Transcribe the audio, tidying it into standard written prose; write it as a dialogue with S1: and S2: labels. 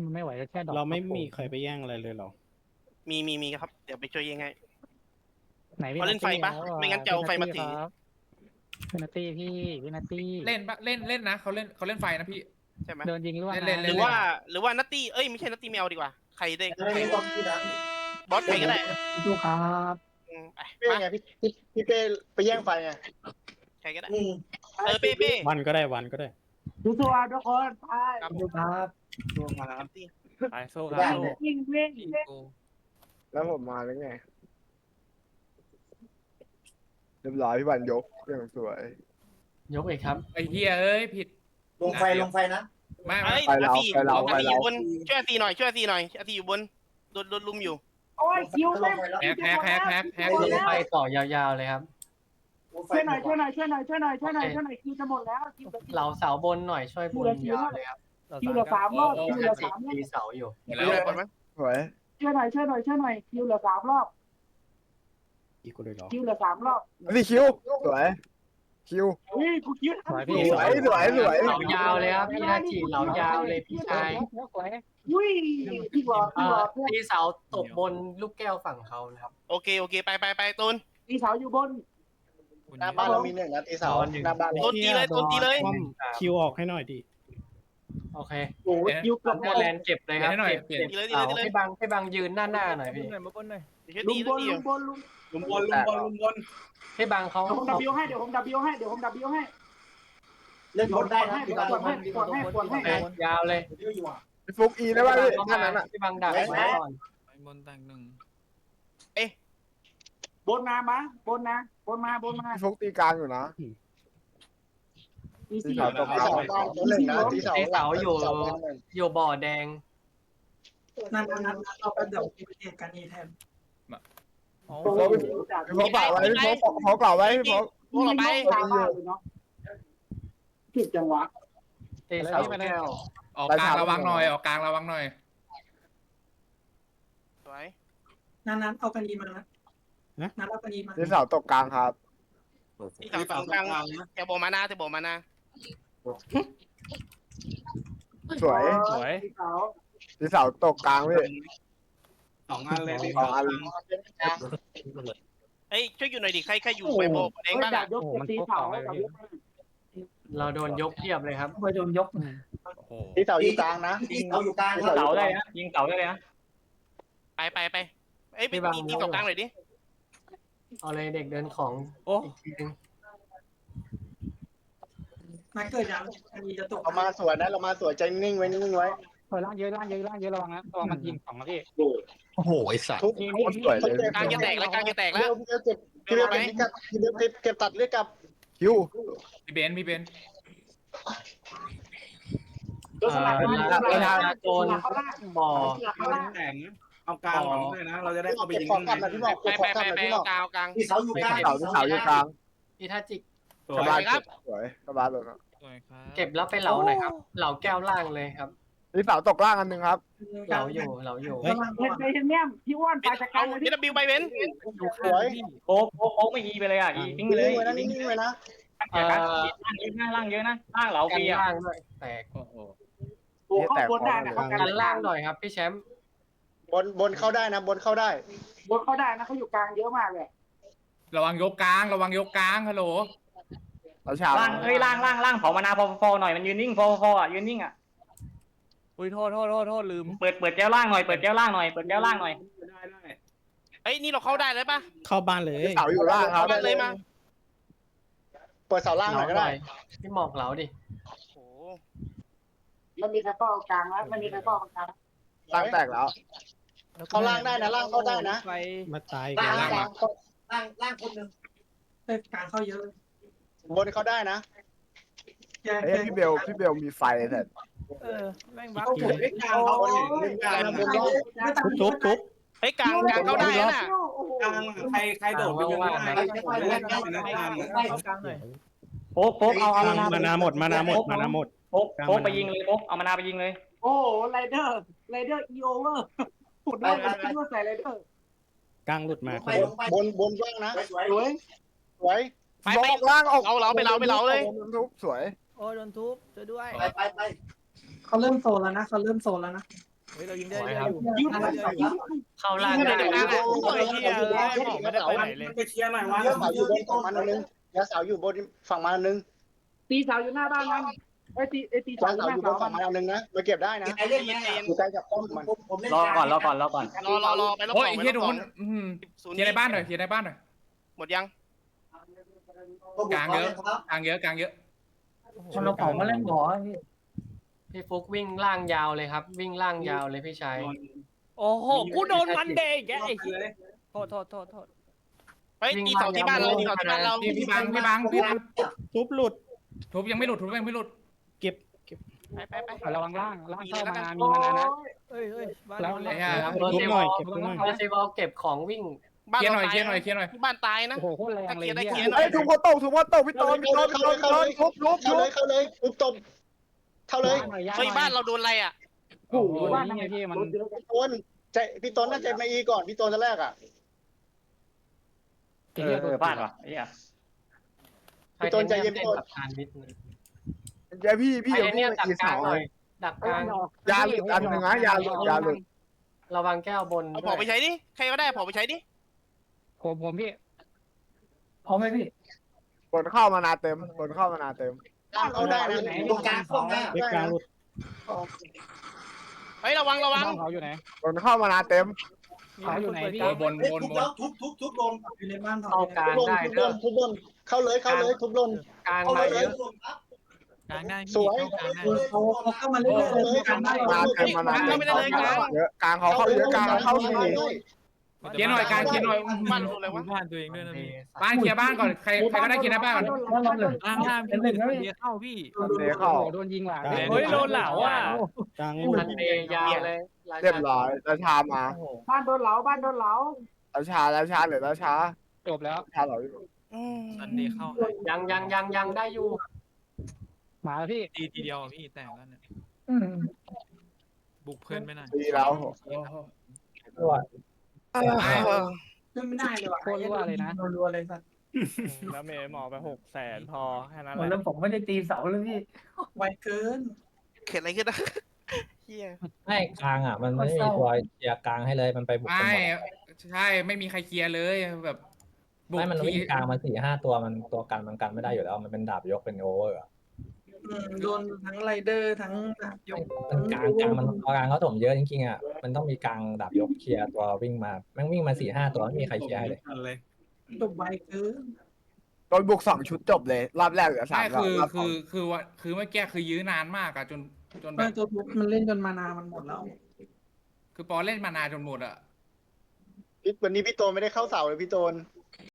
S1: มันไม่ไหวก็แค่ดอก
S2: เราไม่มีใครไปแย่งอะไรเลยหรอ
S3: มีครับเดี๋ยวไปช่วยยังไง
S1: ไหนพี่
S3: เขาเล่นไฟปะไม่งั้นจะเอาไฟมาถือ
S1: พี่นัตตี้พี่นัตตี้
S4: เล่นปะเล่นนะเขาเล่นไฟนะพี่
S3: ใช่ไหม
S1: โดนยิงร่วง
S3: หรือว่านัตตี้เอ้ยไม่ใช่นัตตี้แมวดีกว่าใครได้ใครบอสใครก็ได้
S1: ดูครับ
S3: เป้
S5: ไงพี่เป้ไปแย่งไฟไง
S3: ใครก็ได้เป้
S2: วันก็ได้
S1: ดูตัวทุกคนไปดูครับ
S4: ไปโซ่ครับ
S1: วิ่ง
S5: แล้วผมมาแล้วไงเรียบร้อยพี่บันยกอย่างสวย
S1: ยกเองครับ
S4: ไอ้เหี้ยเอ้ยผิด
S6: ลงไฟนะ
S4: ไม่
S5: ไปเรา
S3: อยู่บนช่วยอาตีหน่อยอาตีอยู่บนโดนลุมอยู่
S1: โอ้ยคิวแ
S4: แฮก
S1: ลงไปต่อยาวๆเลยครับช่วยหน่อยคิวจะหมดแล้วเหล่าเสาบนหน่อยช่วยบนยาวเลยครับคิวเหลือ3 รอบตีเสาอยู่
S3: แล้ว
S5: สวย
S1: ช่วยหน่อยคิวเหลือ3 รอบ
S2: อีกคนเลยหรอ
S1: คิวเหลือ3 รอบ
S5: นี่คิวสวยคิว
S1: กูคิว
S5: สวย
S1: เหล่ายาวเลยครับพี่นาจีเหล่ายาวเลยพี่ชายพี่บอดตีเสาตบบนลูกแก้วฝั่งเขานะครับ
S3: โอเคไปตูน
S1: ตีเสาอยู่บน
S5: หน้าบ้านเรามี1นะตีเสาหน้าบ้าน
S3: ตูนตีเลย
S2: คิวออกให้หน่อยดิ
S1: โอเคโอ้คิวกับแลนเก็บเลยครับเก็บให้บังยืนหน้าหน่อยพี่
S3: ลุมบ
S1: นให้บังเขาผมดับบิวให้เดี๋ยวผมดับบิวให้
S6: เล่นบนได้นะ
S1: ปวดให้ยาวเลย
S5: ฟุกอีได้ป่ะพี่ท่านนั้นอ่ะ
S1: พี่บังดักไว้ก่อน
S4: บนแต่ง1
S1: บนมาบนมา
S5: ฟุกตีกลางอยู่นะตีเสาตกกลางตีเสา
S1: อยู่บ่อแดง
S6: นั่นเราไปเดี๋ยวพิเศษกันอีแทน
S5: พี่ฟุกเปล่าไว้พี่ฟุกเปล่าไว้พี่ฟุก
S3: พวกเราไป
S1: ผิดจังหวะเตะเสาแก้ว
S4: ออกกลางระวังหน่อย
S3: สวย
S6: นั้นเอากันดีมานะนั้นเอากันดีมา
S5: ตีเสาตกกลางครับ
S3: ตีเสาตกกลางแต่โบมานา
S5: สวยตีเสาตกกลางพี่
S6: 2 อันเลย
S5: 2 อัน
S3: เฮ้ยช่วยอยู่หน่อยดิใครอยู่ไปโบเองบ้างอ่ะ
S1: เราโดนยกเทียบเลยครับโดนยก
S5: ตีเสาอยู่กลางนะ
S6: เสาอยู่กลาง
S1: เสาได้นะยิงเสาได้เลยนะ
S3: ไปเอ้ยตีตกกลางหน่อยดิ
S1: เอาเลยเด็กเดินของ
S6: นักเกิดยังอันนี้จะตก
S5: เรามาสวยนะเรามาสวยใจนิ่งไว้
S1: ล่างเยอะระวังนะระวังมันยิงของนะพี่
S2: โอ้โหไอ้สัตว์
S5: สวยเลย
S3: กลางจะแตกแล้ว
S5: พี่เบลเก็บตัดเลือดกับคิว
S4: พี่เบน
S1: โดนบ่อ
S6: แต่งเอากลางหลังเลยนะเราจะได้เอาไปยิง
S3: ไปเอากลาง
S6: ที่เสาอยู่กลาง
S1: พี่ท่าจิก
S5: สวยครับสวยสบายเลยครับ
S1: เก็บแล้วไปเหลาหน่อยครับเหลาแก้วล่างเลยครับ
S5: นี่เสาตกล่างอันนึงครับ
S1: เหลาอยู่
S6: เ
S1: ห็นเนี่ยพี่ว่านไปจัดการเลย
S3: พี่บิวไปเว้น
S5: สวย
S1: โป๊กไม่อีไปเลยอ่ะอีทิ้งไปเลย
S5: นิ่งเลยนะ
S1: ล่างเยอะนะล่างเหลาปีอ่ะแตกโอ้เข้าบนได้นะกันล่างหน่อยครับพี่แชมป์
S5: บนเข้าได้นะบนเข้าได้
S1: นะเขาอยู่กลางเยอะมากเลย
S4: ระวังยกกลางฮัลโหล
S1: ล่างเผามานาพอหน่อยมันยืนนิ่งพออ่ะยืนนิ่งอ่ะ
S4: อุ้ยโทษลืม
S1: เปิดแก้วล่างหน่อยได้
S3: เฮ้ยนี่เราเข้าได้เลยปะ
S2: เข้าบ้านเลย
S5: เสาอยู่ล่างครับ
S3: ได้เลยมา
S5: เปิดเสาล่างหน่อยก็ได้
S1: พี่หมอกเหลาดิโอ้มันมีใครป้องกลางแล้วมันมีใครป้องกลาง
S5: ล่างแตกแล้วเข้าล่างได้นะล่างเข้าได้นะ
S2: มาตาย
S6: ล่างคนนึงกลางเข้าเยอะ
S5: บนเข้าได้นะพี่เบลมีไฟแต่
S4: แม่งบัฟ
S6: กลางเขา
S2: ทุบ
S3: เฮ้ยกลางเข้าได้นะ
S6: กลางใครโดดไปยังไง
S1: โป๊กเอา
S2: มานาหมด
S1: โป๊กไปยิงเลยโป๊กเอามานาไปยิงเลยโอ้ไรเดอร์อีโอเวอร์พูดได้ใส่ไรเดอร์
S2: กลางหลุดมา
S5: บนว่างนะสวย
S3: ไป
S5: ล่างออก
S3: เราไปเราเลย
S5: ทุบสวย
S1: โอ้โดนทุบช่วยด้วย
S6: ไปเขาเริ่มโซนแล้วนะ
S4: เฮ้ยเรายิงได้
S1: สวย
S4: เย
S1: ครั
S4: อะ
S1: บ
S4: อยู่
S1: เข้าล่าง
S3: ไม่
S1: ได้
S3: ได้นะ
S4: โอ้ยเฮียเลยบอกไม่ได้ไปไหนเลย
S6: ไปเคลียร์หน่อยวะ
S5: เสาอยู่บนฝั่งมันนึงยาเสาอยู่บนฝั่งมันนึง
S6: ตีเสาอยู่หน้าบ้านมันไอ้ตี
S5: ยาเสาอยู่บนฝั่งมันนึงนะมาเก็บได้นะ
S6: ไอ้เล่นไง
S5: อยู่ใกล้กับป้อมมัน
S6: ผมเล่น
S1: รอก่อนรอก่อนรอก่อน
S3: รอไปรอบ
S4: โอ้
S3: ส
S4: ย
S3: องไป
S4: เฮี
S3: ร
S4: ย
S3: อบ
S4: โด
S3: สอง
S4: น
S3: ศูนย์
S4: เคลียร์ในบ้านหน่อยเคลียร์ในบ้านหน่อย
S3: หมดยัง
S4: กลางเยอะกลางเยอะกลางเยอะ
S1: คนเราเผามาเล่นหรอพี่ฟุกวิ่งล่างยาวเลยครับ วิ่งล่างยาวเลยพี่ชาย
S4: โอ้โหกูโดนมันเด็กไอ้โทษโทษ
S3: เฮ้ยตีเสาที่บ้านเราตีเสาที่บ้านเรา
S4: พี่บัง
S2: ทุบหลุด
S4: ทุบยังไม่หลุดทุบยังไม่หลุด
S2: เก็บ
S3: ไป
S7: ระวังล่างเข้ามา
S3: มี
S7: มีมานะ
S4: เฮ้ยบ้าน
S7: แล้ว
S4: เรา
S2: ทุบหน่อยเก็บทุบหน่อย
S1: เฟสติวัลเก็บของวิ่ง
S3: บ้าน
S4: เคลียร์
S3: เรา
S4: หน่อย
S3: ตาย
S4: เคลียร์หน่อยเคลียร์หน่อย
S3: ที่บ้านตายนะ
S7: โอ้โหโคตรแรงเลย
S3: ได้เคลียร์
S5: ไอ้ทุบหัวโตทุบหัวโตพี่ต้นทุบทุบ
S3: เข้าเลยเฮ้ยบ้านเราโดนอะไรอ่ะ
S7: โอ้โหนี่ไงพี่มัน
S5: ต้นใจพี่ต้นน่าจะมาอีก่อนพี่ต้นจะแรกอ่ะ
S7: บ้านวะไอ้เหี้ย
S5: พี่ต้นใจเย็นพี่ต้น
S1: กับทานมิด
S5: เดี๋ยวพี่
S1: ไอ้เนี่ยดักกลางหน่อยดักกลาง
S5: ยาหลุดอันหนึ่งนะยาหลุด
S1: ระวังแก้วบน
S3: เอาผอไปใช้ดิใครก็ได้ผอไปใช้ดิ
S7: ผมพี่
S1: พร้อมไหมพี่
S5: บนเข้ามานาเต็มบนเข้ามานาเต็มเอาได้นะ
S6: ตรงกลางเข้าได้
S2: เล็กกลางหลุด
S3: เฮ้ยระวัง
S7: เขาอยู่ไหน
S5: บนเข้ามานาเต็ม
S7: เขาอยู่ไหนพี่
S4: บน
S6: ทุบลงอยู่ในบ้าน
S1: เข้ากลาง
S5: ทุบ
S1: ได้
S5: บ
S1: เด้อน
S5: ทุบบนเข้าเลยทุบลน
S1: กลางมาเยอะ
S7: กลางได้
S5: สวย
S6: เขาเข้ามาเรื่อยๆกันได้
S5: มาเต็มมานาเต็มเยอะกลางเขาเข้าเยอะกลางเข้าสี่
S4: เคลียร์หน่อยกลางเคลียร์หน่อย
S3: บ้านโดนอะไรวะ
S7: บ้านตัวเองด้วยนะพี่
S4: บ้านเคลียร์บ้านก่อนใครก็ได้เคลียร์หน้าบ้านก่อน
S7: ล่างพี่เเข้าพี่
S5: เดเข้า
S7: โดนยิงหลัง
S4: เฮ้ยโดนเหล่าอ่ะ
S2: กลางให้หม
S1: ทั
S2: ด
S1: นเดยาวเลย
S5: เรียบร้อยราชามา
S6: บ้านโดนเหลา
S5: ราชาเหลือราชา
S7: จบแล้ว
S5: ราชาเหลือ
S7: ซันเดย์เข้า
S1: ยังได้อยู่
S7: มาแล้วพี่
S8: ตีทีเดียวพี่แต่งแล้วเนี่ยบุกเพื่อนไม่น่า
S5: ดีแล้ว
S6: ขึ้นไม่ได้เลยว่ะ
S7: โคตรรั่วเลยนะ
S6: รัวเลยสัตว์
S4: แล้วเมย์หมอไป600,000พอแค่นั้นแห
S1: แล้ว
S4: ละ
S1: ผมไม่ได้ตีเสาเลยพี่
S6: ไวเกิน
S3: เกิดอะไรขึ้นนะเฮีย
S9: ไม่กลางอ่ะ มันไม่มีตัวเคลียร์กลางให้เลยมันไปบุกกัน
S4: ไม่
S9: หมด
S4: ใช่ไม่มีใครเคลียร์เลยแบบบุก
S9: ไม่มัน
S4: ที
S9: วิ่งกลางมา4-5 ตัวมันตัวกันมันกันไม่ได้อยู่แล้วมันเป็นดาบยกเป็นโอเวอร์อะ
S6: โดนทั้งไรเดอร์ทั้งยก
S9: มันกลางมันตัวกลางเขาถมเยอะจริงๆอ่ะมันต้องมีกลางดาบยกเคลียร์ตัววิ่งมาแม่งวิ่งมา4-5 ตัวไม่มีใครเคลียร์ให้เลย
S6: จบไวเกิน
S5: โดนบุก2 ชุดจบเลยรอบแรกเหลือ
S4: ใช่
S5: 3รอบ
S4: คือเมื่อกี้คือยื้อนานมากอะจนแบ
S6: ไม่
S4: บ
S6: ตัวทุบมันเล่นจนมานามันหมดแล้ว
S4: คือปอเล่นมานานจนหมดอะ
S5: วันนี้พี่โตนไม่ได้เข้าเสาเลยพี่โตน